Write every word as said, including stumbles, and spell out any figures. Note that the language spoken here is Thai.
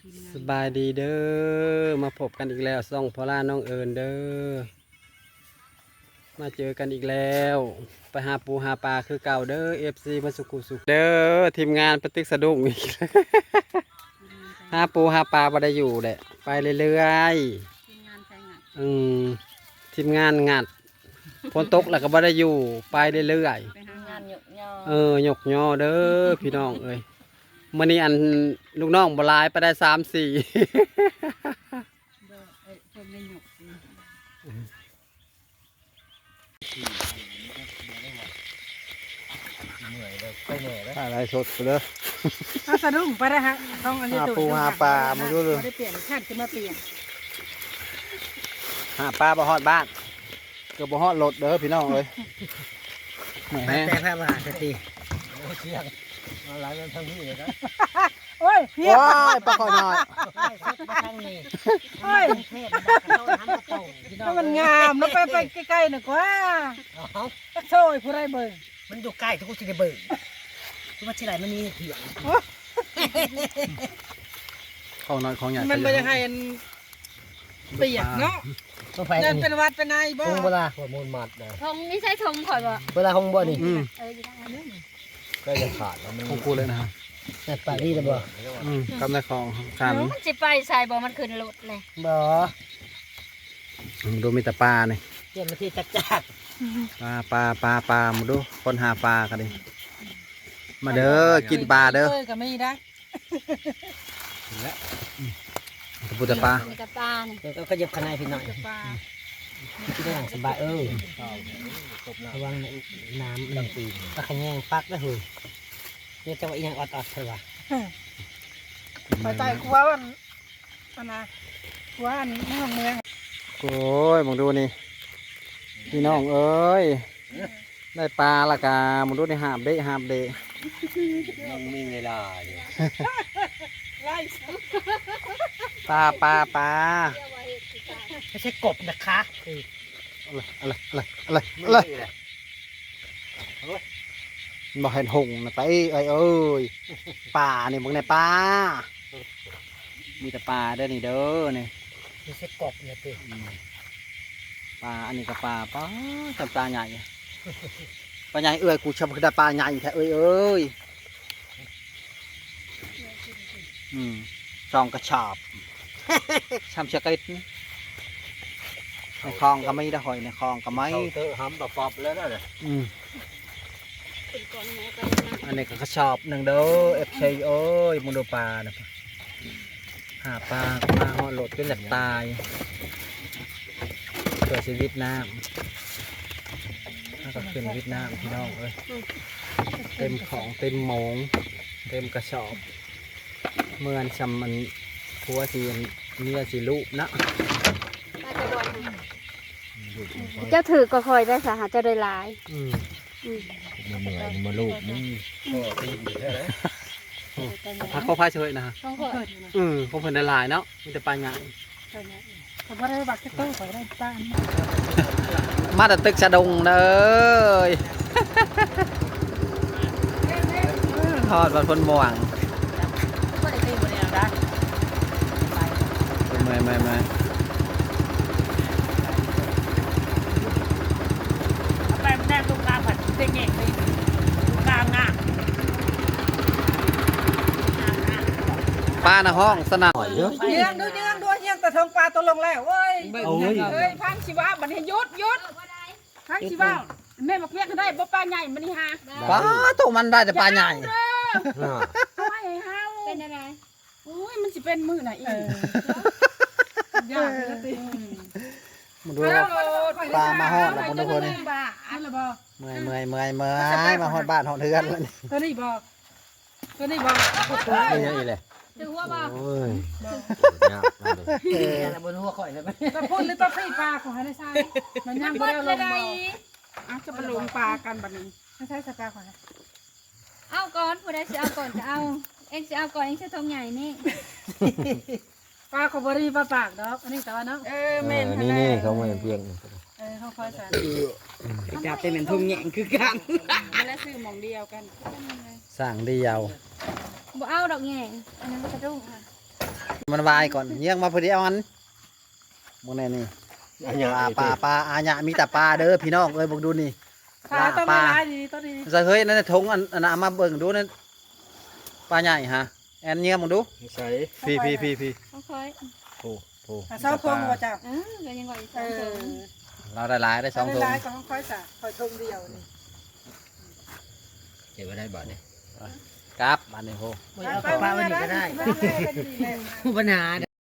สบายดีเด้อมาพบกันอีกแล้วส่องพอล่าน้องเอิญเด้อมาเจอกันอีกแล้วไปหาปูหาปลาคือเก่าเด้อเอฟซีมาสุกุสุขเด้อทีมงานปฏิกสะดุ้งอีก หาปูหาปลาบ่ได้อยู่แหละไปเรื่อยๆอืมทีมงานงัดฝนตกแล้วก็บ่ได้อยู่ไปเรื่อยๆเออหยกย่อเด้อพี่น้องเอ้ยมื่อนี้อันลูกน้องบลายไปได้สามสี่อะไรสดเลยเอาสะดุ้งไปได้ฮะต้องอันนี้หาตัวปูหาปลามาดูเลยได้เปลี่ยนขั้นขึ้นมาเปลี่ยนหาปลาบ่ฮอดบ้านเกือบบ่ฮอดรถเด้อพี่น้องเอ้ยแหมแต่แพ้มาสติเชียงมาหลายกันทั้งพี่เลยนะโอ้ยเพี้ยว้ายปลาคอยน้อยทั้งนี้โอ้ยเทพมันต้องทำกระโตพี่น้อถ้าง มันงามแล้วไปไปใกล้ๆหน่อยกว่าโซ่ผู้ไรเบิ่งมันอยู่ใกล้ทุกคนที่ได้เบิ่งทุกวันที่ไรมันมีเถียงของน้อยของใหญ่มันไม่ได้ให้เปียกเนาะต้องไปนั่นเป็นวัดเป็นนายบ่คงเวลาหัวมูลมัดนะทงนี่ใช่ทงข่อยบ่เวลาคงบ่นี่อืมเอออยู่ทางนั้นเด้อก็จะขาดแล้วมันของกูเลยนะฮะแต่ปารีสบ่อืมกำในของขันมันสิไปใส่บ่มันขึ้นรถเลยบ่ดูมีแต่ปลาเนี่ยเตรียมมาที่จักจักปลาปลาปลาปลามาดูคนหาปลากันดิมาเด้อกินปลาเด้อเอ้ยก็ไม่ได้ตะปูตะปลามีแต่ปลานี่เดี๋ยวก็ขยับขนายพี่หน่อยจะปลาคิดได้อย่างสบายเออระวังน้ำลำปีก็ขยงปักแล้วเฮ้ยเนี่ยจังหวะอีหยังออดๆเถอะว่ะไปใจกลัววันอันนะกลัวอันเมืองเมืองโอ้ยมองดูนี่พี่น้องเอ้ยได้ปลาละกามองดูนี่หาบเดะหาบเดะยังมีเวลาอยู่ไล่ปลาปลาปลาไม่ใช่กบนะคะคืออะไรอะไรอะไรอะไรอะไรบอกเห็นหงนะไปเอ้ยเอ้ยปลาเนี่ยมึงในปลามีแต่ปลาเด้อนี่เด้อนี่ไม่ใช่กบนะพี่ปลาอันนี้ก็ปลาปลาจำปลาใหญ่ปลาใหญ่เอ้ยกูชอบคือได้ปลาใหญ่แท้เอ้ยเอ้ยอืมจองกระชอบชำเชกิดในคลองก็ไม่ได้หอยในคลองก็ไม่เตอร์ห้ำปอบแล้วนะอืมขึ้นก่อนแม่ไปนะอันนี้ก็กระชอบหนึ่งเด้อเอฟซีเอ้ยมึงดูปลานะหาปลาปลาหอดโหลดจนแหลกตายเกิดชีวิตน้ำถ้าก็ขึ้นวิทน้ำพี่น้องเอ้ยเต็มของเต็มหมงเต็มกระสอบเมื่อนชำมันพัวสีเมียสีลูกนะปลาจะโดนเจ้าถือก็คอยได้สาหาเจ้าได้หลายอืมอืมมาเหนื่อยมาลูกนี่ก็ตีดีแค่ไหนพักเขาพายเฉยนะฮะต้องข่อยอืมพวกเพิ่นได้หลายเนาะมีแต่ปลาใหญ่ผมว่าได้บักเต้าขอได้ป้ามาแต่ตึกชะดงเด้อทอดวันพ้นม่วงไม่ได้ตีบริยาได้ไม่ไม่ไม่ไปมันแน่ตรงกลางผัดเต็งเงี้ยเลยกลางงาปลาในห้องสนั่นเยอะเยียงดูเยียงดูเยียงแต่ทงปลาตัวลงแล้วเว้ยโอ้ยเอ้ยพันชีวะบัดนี้ยุดยุดพันชีวะแม่บอกเรียกได้บ่ปลาใหญ่มันนี่ฮะปลาตัวมันได้แต่ปลาใหญ่ไม่เฮาเป็นอะไรโอ้ยมันสิเป็นมือไหนอีกยากเลยสิมาดูปลามาฮอดแล้วคนทุกคนนี่ปลาอะไรบ่เมื่อยเมื่อยเมื่อยเมื่อยมาฮอดบ้านฮอดเรือนแล้วนี่ตัวนี้บ่ตัวนี้บ่ไม่ใช่อีเลยถือว่าบ่โอ้ยเออแล้วบนหัวข่อยเลยไหมตะพุ่นหรือตะไคร้ปลาของให้ได้ใช่มันยังเบิบ่ดได้ลเลยงได้บ่อ้าวจะไปลงปลากันบัดนี้ไม่ใช่สปลาของเอาก่อนผู้ใดสิเอาก่อนก็เอาเอ็งสิเอาก่อนเอ็งสิทงใหญ่นี่ปลาของบริปลาปากดอกอันนี้แต่ว่าเนาะเออแม่นนี่นี่เขาไม่เพียงเออเขาคอยสั่นจับเป็นเหมือนทุ่งแหงคือกันแล้วซื้อหม่องเดียวกันสั่งเดียวบ่เอาดอกแง่อันนั้นมันกระดุ้งค่ะมันวายก่อนเยี่ยงมาพอดีเอาอันมองแน่นี่ปลาปลาปลาอาญะมีแต่ปลาเด้อพี่น้องเอ้ยบอกดูนี่ขาต้องไม่ร้ายดีต้นนี้จะเฮ้ยนั่นทงอันอันเอามาเบิ่งดูนั่นปลาใหญ่ฮะแอนเยี่ยมมองดูใส่พี่พี่พี่พี่ค่อยโอ้โหเศร้าทงว่าเจ้าๆเออก็ยังว่าอีกสเอองอถุงเราได้หลายได้สองไม่ทงร้ายก็ค่อยสะค่อยทงเดียวนี่เก็บไว้ได้บ่เนี่ยครับอันนี้โหไม่เอาปลาไว้นี่ก็ได้ไปไปไปไปไปปัญหา